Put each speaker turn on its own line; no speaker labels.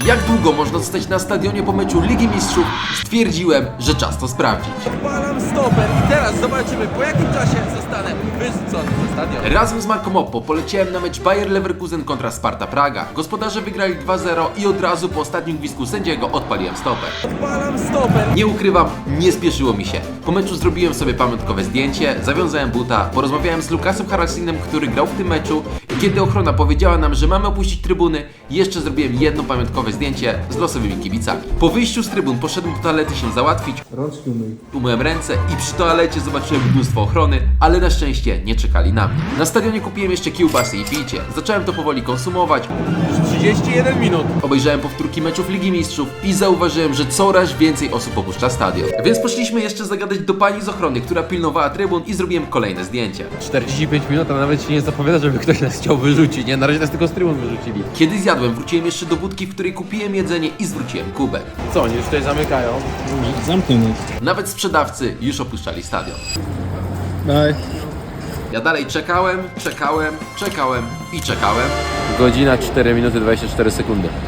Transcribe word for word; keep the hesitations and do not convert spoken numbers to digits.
jak długo można zostać na stadionie po meczu Ligi Mistrzów, stwierdziłem, że czas to sprawdzić.
Odpalam stoper i teraz zobaczymy, po jakim czasie zostanę wyrzucony ze stadionu.
Razem z Marką Oppo poleciałem na mecz Bayer Leverkusen kontra Sparta Praga. Gospodarze wygrali dwa zero i od razu po ostatnim gwizdku sędziego odpaliłem stoper.
Odpalam stoper.
Nie ukrywam, nie spieszyło mi się. Po meczu zrobiłem sobie pamiątkowe zdjęcie, zawiązałem buta, porozmawiałem z Lukasem Haraldsinem, który grał w tym meczu i kiedy ochrona powiedziała nam, że mamy opuścić trybuny, jeszcze zrobiłem jedno pamiątkowe zdjęcie z losowymi kibicami. Po wyjściu z trybun poszedłem do toalety się załatwić,
Rączki umyj.
umyłem ręce i przy toalecie zobaczyłem mnóstwo ochrony, ale na szczęście nie czekali na mnie. Na stadionie kupiłem jeszcze kiełbasy i picie. Zacząłem to powoli konsumować.
Już trzydzieści jeden minut.
Obejrzałem powtórki meczów Ligi Mistrzów i zauważyłem, że coraz więcej osób opuszcza stadion. Więc poszliśmy jeszcze zagadać do pani z ochrony, która pilnowała trybun i zrobiłem kolejne zdjęcia.
czterdzieści pięć minut, a nawet się nie zapowiada, żeby ktoś nas chciał wyrzucić, nie? Na razie nas tylko z trybun wyrzucili.
Kiedy zjadłem, wróciłem jeszcze do budki, w której kupiłem jedzenie i zwróciłem kubek.
Co, oni już tutaj zamykają?
Zamknij nas.
Nawet sprzedawcy już opuszczali stadion.
Daj.
Ja dalej czekałem, czekałem, czekałem i czekałem.
Godzina cztery minuty dwadzieścia cztery sekundy.